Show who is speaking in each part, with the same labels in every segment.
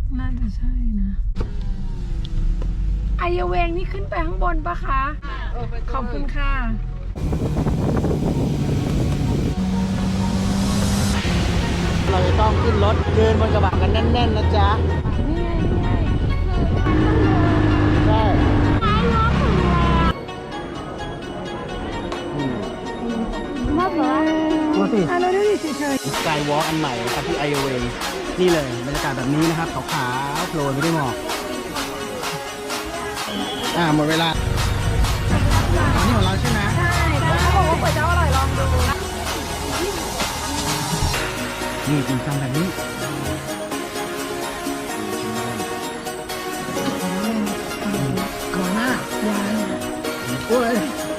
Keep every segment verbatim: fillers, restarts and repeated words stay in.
Speaker 1: น่าจะใช่นะไอเยเวงนี่ขึ้นไปข้างบนปะคะขอบคุณค่ะ
Speaker 2: เราจะต้องขึ้นรถเดินบนกระบะกันแน่นๆนะจ๊ะ
Speaker 1: นี่ไงนี่ไง
Speaker 2: ใช่
Speaker 1: มากเลย
Speaker 2: ดูสิ
Speaker 1: อ่ะเราดูดิเฉย
Speaker 2: สกายวอล์กอันใหม่นะครับที่ไอโอเวนี่เลยบรรยากาศแบบนี้นะครับขาวๆโปรยไม่ได้หมอกอ่าหมดเวลาอันนี้ของเราใช่ไหม
Speaker 1: ใช่เขาบอกว่าก๋วยจั๊บอร่อยลองดู
Speaker 2: นี่จริงจังแบบนี้
Speaker 1: ก่อนหน้ายาง
Speaker 2: โอ้ย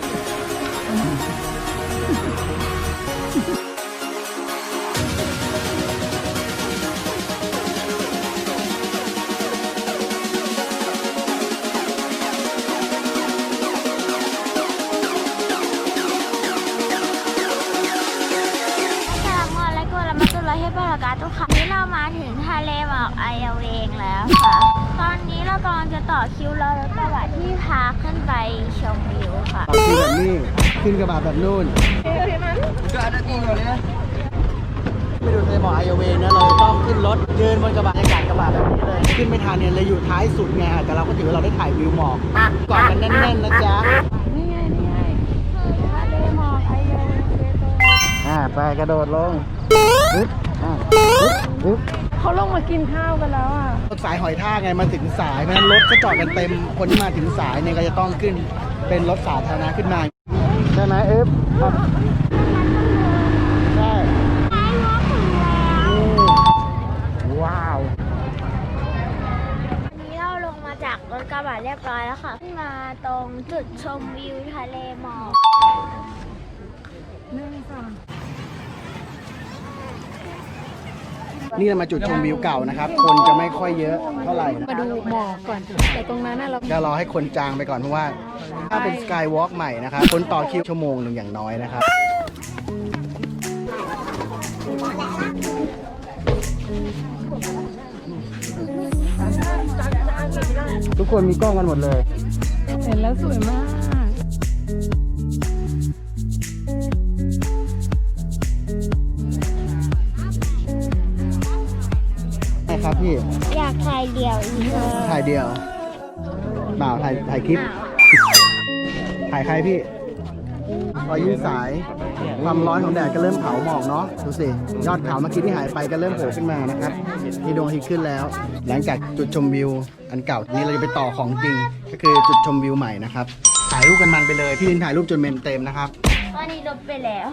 Speaker 3: นี้เรามาถึงทะเลหมอกไอเอเวงแล้วค่ะตอนนี้เรากำลังจะต่อคิวรอรถกระบะที่พาขึ้นไปชมวิวค่ะ
Speaker 2: ต่อคิวแบบนี้ขึ้นกระบะแบบนู่นก็อันนี้เลยนะไม่ดูทะเลหมอกไอเวงนะเราต้องขึ้นรถเดินบนกระบะบรรยากาศกระบะแบบนี้เลยขึ้นไม่ทันเนี่ยเลยอยู่ท้ายสุดไงแต่เราก็ถือว่าเราได้ถ่ายวิวหมอกก่อนกันแน่นๆนะจ๊ะ
Speaker 1: นี่ไงนี่ไงทะเลหมอกไอเยเวง
Speaker 2: อ่าไปกระโดดลงปึ๊บอ่าปึ๊บปึ๊บ
Speaker 1: เขาลงมากินข้าวกันแล้วอ่ะ
Speaker 2: รถสายหอยทากไงมาถึงสายเพราะฉะนั้นรถก็จอดกันเต็มคนที่มาถึงสายเนี่ยก็จะต้องขึ้นเป็นรถสาธารณะขึ้นมาใช่ไหมเอฟใช่ว้าว
Speaker 3: วันนี้เราลงมาจากรถกระบะเรียบร้อยแล้วค่ะขึ้นมาตรงจุดชมวิวทะเลหมอก
Speaker 1: หนึ่งสอง
Speaker 2: นี่เรามาจุดชมวิวเก่านะครับคนจะไม่ค่อยเยอะเท่าไหร่
Speaker 1: มาดูหมอกก่อนแต่ตรงนั้นน่ะเรา
Speaker 2: จะรอให้คนจางไปก่อนเพราะว่าถ้าเป็นสกายวอล์กใหม่นะครับคนต่อคิวชั่วโมงหนึ่งอย่างน้อยนะครับทุกคนมีกล้องกันหมดเลย
Speaker 1: เห็นแล้วสวยมาก
Speaker 2: ครับพี่
Speaker 3: อยากถ่ายเดี่ยวอีก
Speaker 2: ถ่ายเดี่ยวเปล่าถ่ายถ่ายคลิปถ่ายใครพี่พอยื่นสายความร้อนของแดดก็เริ่มเผาหมอกเนาะดูสิยอดเขาเมื่อกี้ที่หายไปก็เริ่มโผล่ขึ้นมานะครับมีดวงอาทิตย์ขึ้นแล้วหลังจากจุดชมวิวอันเก่านี้เราจะไปต่อของจริงก็คือจุดชมวิวใหม่นะครับถ่ายรูปกันมันไปเลยพี่ลินถ่ายรูปจนเมมเต็มนะครับ
Speaker 3: ตอนนี้ลบไปแล้ว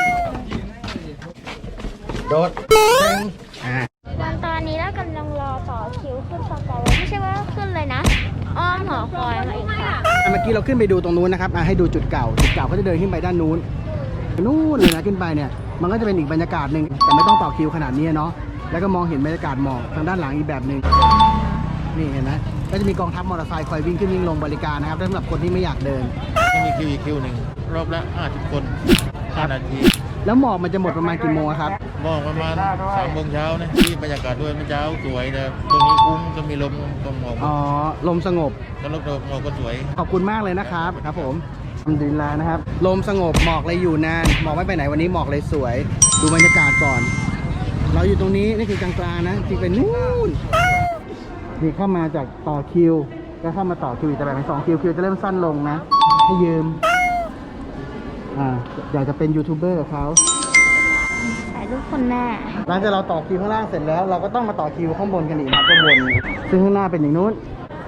Speaker 2: โดดเต็งอ่า
Speaker 3: ตอนนี้เรากำลังรอต่อคิวขึ้นสกายไม่ใช่ว่าขึ้นเลยนะอ้อมหอคอยมาอีกค่ะ
Speaker 2: เมื่อกี้เราขึ้นไปดูตรงนู้นนะครับให้ดูจุดเก่าจุดเก่าเขาจะเดินขึ้นไปด้านนู้นนู่นเลยนะขึ้นไปเนี่ยมันก็จะเป็นอีกบรรยากาศหนึ่งแต่ไม่ต้องต่อคิวขนาดนี้เนาะแล้วก็มองเห็นบรรยากาศหมอกทางด้านหลังอีกแบบหนึ่งนี่เห็นไหมก็จะมีกองทัพมอเตอร์ไซค์คอยวิ่งขึ้นวิ่งลงบริการนะครับสำหรับคนที่ไม่อยากเดิน
Speaker 4: มีคิวอีกคิวหนึ่งรอบละห้าสิบคนห้านาที
Speaker 2: แล้วหมอกมันจะหมดประมาณกี่โมงครับ
Speaker 4: หมอกประมาณสามโมงเช้านะที่บรรยากาศด้วยมันเช้าสวยนะตรงนี้คุ้มก็มีลมตรงหมอก
Speaker 2: อ๋อลมสงบ
Speaker 4: แล้วลมหมอกก็สวย
Speaker 2: ขอบคุณมากเลยนะครับครับผมทำดีแล้วนะครับลมสงบหมอกเลยอยู่นานหมอกไม่ไปไหนวันนี้หมอกเลยสวยดูบรรยากาศก่อนเราอยู่ตรงนี้นี่คือกลางๆนะจริงเป็นนู่นนี่เข้ามาจากต่อคิวก็เข้ามาต่อคิวแต่แบบเป็นสองคิวคิวจะเริ่มสั้นลงนะให้ยืมอ่าอยากจะเป็นยูทูบเบอร์กับเขา
Speaker 3: ถ่ายรูปคนแม่
Speaker 2: หลังจากเราต่อคิวข้างล่างเสร็จแล้วเราก็ต้องมาต่อคิวข้างบนกันอีกนะข้างบนซึ่งข้างหน้าเป็นอย่างนู้น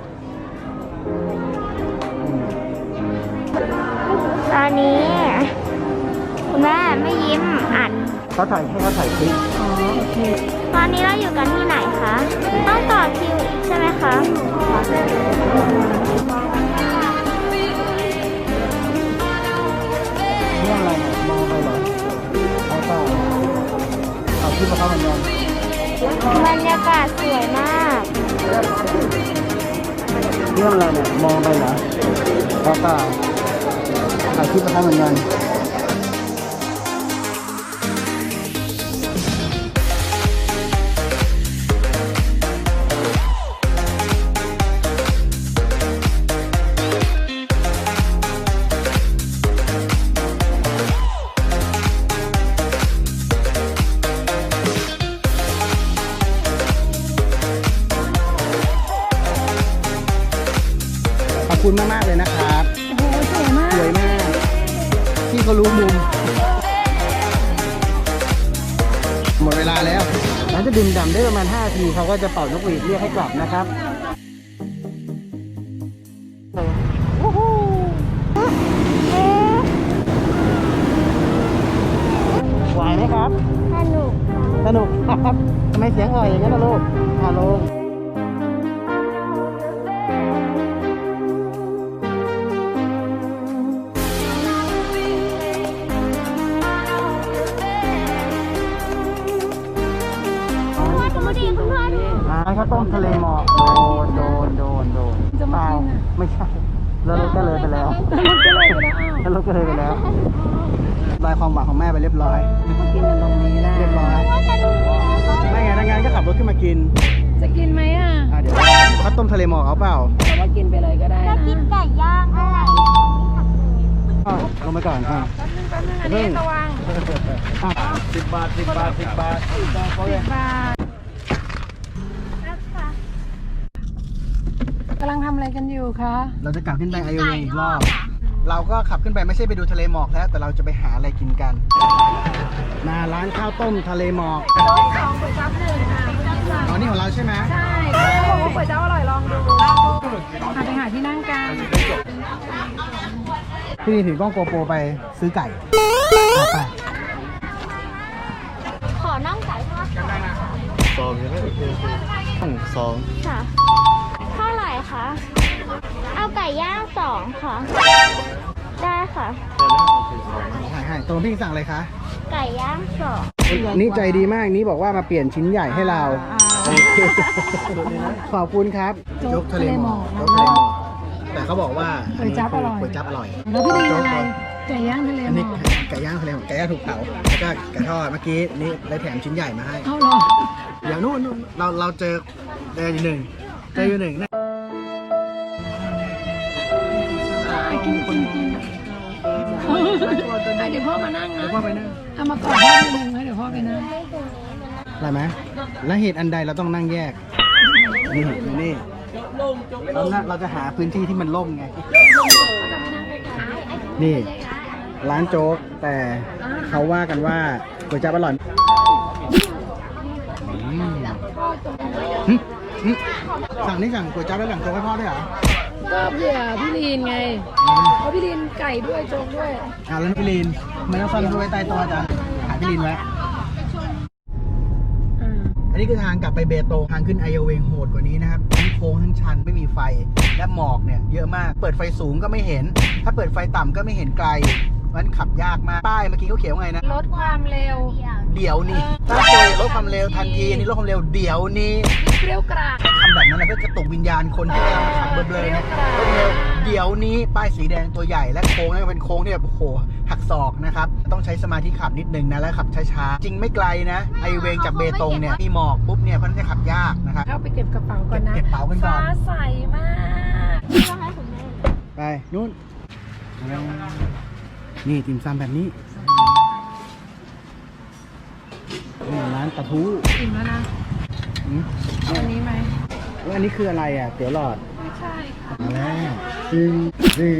Speaker 3: ตอนนี้คุณแม่ไม่ยิ้มอัด
Speaker 2: เขาถ่ายให้เขาถ่ายคลิป
Speaker 1: อ๋อโอเค
Speaker 3: ตอนนี้เราอยู่กันที่ไหนคะต้องต่อคิวอีกใช่ไหมคะ
Speaker 2: เรื่องอะไรมองไปเหรอเอาต่อเอาคลิปมาเข้าเหมือนกัน
Speaker 3: บรรยากาศสวยมาก
Speaker 2: เรื่องอะไรเนี่ยมองไปเหรอเอาต่อเอาคลิปมาเข้าเหมือนกันอบคุณมากๆเลยนะครับ
Speaker 1: โอ้โหสวยมาก
Speaker 2: สวยมาก พี่เขารู้มุม หมดเวลาแล้วหลังจากดื่มด่ำได้ประมาณห้านาทีเขาก็จะเป่านกหวีดเรียกให้กลับนะครับไหวไหมครับ
Speaker 3: สนุก
Speaker 2: สนุกครับทำไมเสียงอ่อยอย่างนั้นนะลูกฮัลโหลร้านข้าวต้มทะเลหมอกโดนโดนโดนโดน
Speaker 1: จะ
Speaker 2: เป
Speaker 1: มา
Speaker 2: ล่า
Speaker 1: กินอ่ะ
Speaker 2: ไม่ใช่แล้วรถก็เลยไปแล้ว
Speaker 1: มันก็เลยไปแล้วอ้าว
Speaker 2: แล้วรถก็เลยไปแล้วลายความหวังของแม่ไปเรียบร้อย
Speaker 1: มากินกันตรงนี้แหละ
Speaker 2: เรียบร้อยไม่ไงทางงานก็ขับรถขึ้นมากิน
Speaker 1: จะกินไหมอ่ะ
Speaker 2: อ่ะเดี๋ยวข้าวต้มทะเลหมอกเอาเปล่า
Speaker 1: แต่ว่ากินไปเลยก็ได้
Speaker 3: จะ
Speaker 1: นะ
Speaker 3: กินไก่ย่างอะไร
Speaker 2: อ่ะลงไปก่อนอ่ะ
Speaker 1: แป๊บนึงแป๊บนึงอันนี้ระวัง
Speaker 2: อ่ะสิบบาทสิบบาทสิบบาทสิบบาท
Speaker 1: สิบบาทกำลังทำอะไรกันอยู่คะ
Speaker 2: เราจะกลับขึ้นไปไอโอเวอีกรอบ เราก็ขับขึ้นไปไม่ใช่ไปดูทะเลหมอกแล้ว แต่เราจะไปหาอะไรกินกันมาร้านข้าวต้มทะเลหมอก
Speaker 1: ต้มสองก๋วยจั๊บหนึ่งค่ะ
Speaker 2: อ๋อนี่ของเราใช่ไหม
Speaker 1: ใช่เขาบอกว่าก๋วยจั๊บอร่อยลองดูลองดูหาไปหาที่นั่งกัน
Speaker 2: พี่นี่ถือกล้องโกโปรไปซื้อไก่อ่ะไป
Speaker 3: ขอน่องไก่ทอดก่อนค่ะ
Speaker 4: สองใช่ไหมโอเคโอเคสอง
Speaker 3: ค่ะเท่าไหร่คะ เอาไก่ย่างสองค่ะ ได้ค่ะ
Speaker 2: ให้ให้ตัวพี่สั่งอะไรคะ
Speaker 3: ไก่ย่างสอง
Speaker 2: นี่ใจดีมากนี่บอกว่ามาเปลี่ยนชิ้นใหญ่ให้เราโอเคขอบคุณครับโจ๊กทะเลหมอกโจ๊กทะเลหมอกแต่เขาบอกว่า
Speaker 1: ก๋วยจั๊บอร่อย
Speaker 2: ก๋วยจั๊บอร่อย
Speaker 1: แล้วพี่ดีอะไร
Speaker 2: โจ๊ก
Speaker 1: ไก่ย่างทะเล
Speaker 2: อัน
Speaker 1: หม
Speaker 2: นี้
Speaker 1: อก
Speaker 2: ไก่ย่างทะเลหมอกไก่ย่างถูกเผาแล้วก็ไก่ทอดเมื่อกี้นี่ได้แถมชิ้นใหญ่มาให้
Speaker 1: เอาเหรอ
Speaker 2: เดี๋ยวนู่นนู่นเราเราเจอเจออยู่หนึ่งเจออยู่หนึ่งนะ
Speaker 1: ไปกินกินกินเดี๋ยวพ่อมานั่งนะ
Speaker 2: เดี๋ยวพ่อไปนั่ง
Speaker 1: เอามาก่อนพ่อไปนั่งแล้วเดี๋ยวพ่อไปนั่ง
Speaker 2: อะไรไหมและเหตุอันใดเราต้องนั่งแยกนี่นี่เราน่ะเราจะหาพื้นที่ที่มันร่มไง นี่ ร้านโจ๊กแต่เขาว่ากันว่าก๋วยจั๊บอร่อยอืมหึหึสั่งนี่สั่งก๋วยจั๊บแล้วสั่งโจ๊กให้พ่อด้วยเหรอ
Speaker 1: ก็เผื่อพี่ลีนไงเพราะพี่ลีนไก่ด้วยโจ๊กด้วย
Speaker 2: อ่าแล้วพี่ลีนไม่ต้องซ่อนไว้ใต้โต๊ะจ้ะหาพี่ลีนไว้
Speaker 1: อ่า
Speaker 2: อันนี้คือทางกลับไปเบตงทางขึ้นไอโอเวงโหดกว่านี้นะครับทั้งโค้งทั้งชันไม่มีไฟและหมอกเนี่ยเยอะมากเปิดไฟสูงก็ไม่เห็น ถ้าเปิดไฟต่ำก็ไม่เห็นไกลมันขับยากมากป้ายเมื่อกี้เขาเขียนว่าไงนะ
Speaker 1: ลดความเร็ว
Speaker 2: เดี๋ยวนี้ถ้าเคยลดความเร็วทันทีอันนี้ลดความเร็วเดี๋ยวนี้
Speaker 1: เปรี้ยวกราก
Speaker 2: ทำแบบนั้นนะเพื่อกระตุกวิญญาณคนที่กำลังขับเบลอๆนะลดความเร็วเดี๋ยวนี้ป้ายสีแดงตัวใหญ่และโค้งนี่เป็นโค้งที่แบบโอ้โหหักศอกนะครับต้องใช้สมาธิขับนิดนึงนะแล้วขับช้าๆจริงไม่ไกลนะไอเวงจากเบตงเนี่ยมีหมอกปุ๊บเนี่ยเพราะนั้นจะขับยากนะครับ
Speaker 1: เข้าไปเก็บกระเป๋าก่อนนะ
Speaker 2: เก็บกระเป๋ากันก่อน
Speaker 1: ฟ้าใสมาก
Speaker 2: ไปนู่นนี่ติ่มซำแบบนี้นี่ร้านปลาทู
Speaker 1: อิ่มแล้วนะ
Speaker 2: อืม
Speaker 1: เอาอันนี้ไหม
Speaker 2: แล้วอันนี้คืออะไรอ่ะเตี๋ยวหลอด
Speaker 1: ไม่ใช่ค่ะ
Speaker 2: มาแล้วจริงจริง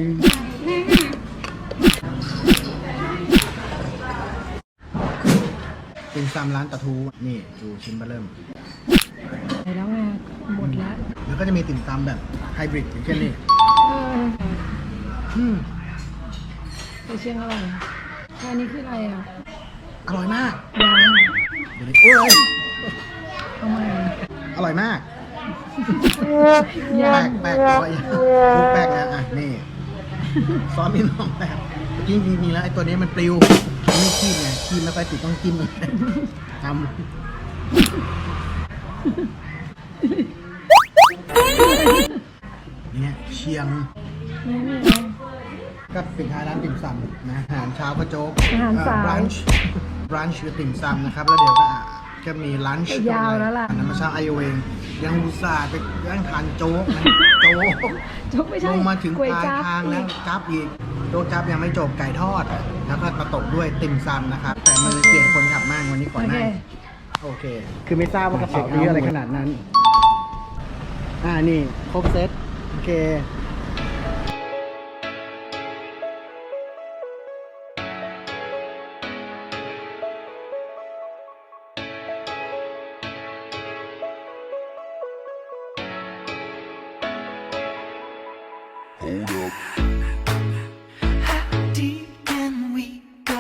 Speaker 2: ติ่มซำร้านปลาทูนี่ดูชิ้นเบอร์เริ่ม
Speaker 1: ไปแล้วไงหมดแล้ว
Speaker 2: แล้วก็จะมีติ่มซำแบบไฮบริดอย่างเช่นนี่
Speaker 1: เออ
Speaker 2: อืม
Speaker 1: ไปเชียงอร่อยอันนี้คืออะไรอ่ะ
Speaker 2: อร่อยมาก
Speaker 1: ยาง
Speaker 2: เดี๋ยวนี้โอ้ย
Speaker 1: เอามา
Speaker 2: อร่อยมาก
Speaker 1: ยา
Speaker 2: แปล
Speaker 1: ง
Speaker 2: กแปลกร้อยพูดแปลกนะอ่ะนี่ซอสมีน้องแบบจริงจริงๆแล้วไอ้ตัวนี้มันปลิวมันไม่ขี้ไงขี้ไม่ค่อยติดต้องจิ้มทำเนี่ยเชียง
Speaker 1: ไม่มี
Speaker 2: ก็ปิดท้ายร้านติ่มซำนะอาหารเช้าก็โจ๊ก
Speaker 1: อาหารสาย
Speaker 2: บรันช์บรันช์คือติ่มซำนะครับ แล้วเดี๋ยวก็อ่ะก็มีลันช์
Speaker 1: ยาวแล้วล่ะ
Speaker 2: อันนั้นมาเช้าไอโอเองยังอุตส่าห์ไปย่างทานโจ๊กนะโจ๊ก
Speaker 1: โจ๊กไม่ใช่
Speaker 2: ลงมาถึง
Speaker 1: ก๋วย
Speaker 2: ปลาย
Speaker 1: จั๊บ
Speaker 2: ทางแล้วจับอีกโจ๊กจับยังไม่จบไก่ทอด แล้วก็มาตกด้วยติ่มซำนะครับ แต่มันเปลี่ยนคนขับมากวันนี้ก่อน
Speaker 1: โอ
Speaker 2: ห
Speaker 1: เค
Speaker 2: น้าโอเค คือไม่ทราบว่ากระเป๋าเยอะอะไรขนาดนั้น อ่านี่ครบเซตโอเค
Speaker 5: How deep can we go?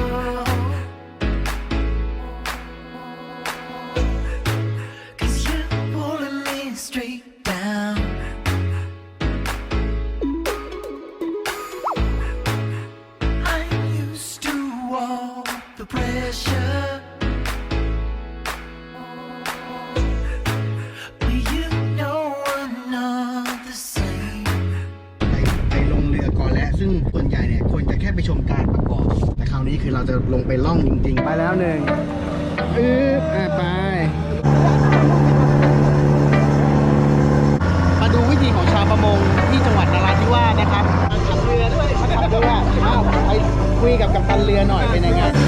Speaker 5: 'Cause you're pulling me straight down. I'm used to all the pressure. But you know I'm not the same.
Speaker 2: ไปไปลงเรือก่อนแล้วซึ่งส่วนใหญ่เนี่ยคนจะแค่ไปชมการประกอบแต่คราวนี้คือเราจะลงไปล่องจริงๆ ไปแล้วหนึ่งอึ๊บอ่ะไป มาดูวิธีของชาวประมงที่จังหวัดนราธิวาสนะครับขับเรือด้วยขับเรืออ้าวไปคุยกับกัปตันเรือหน่อยเป็นยังไง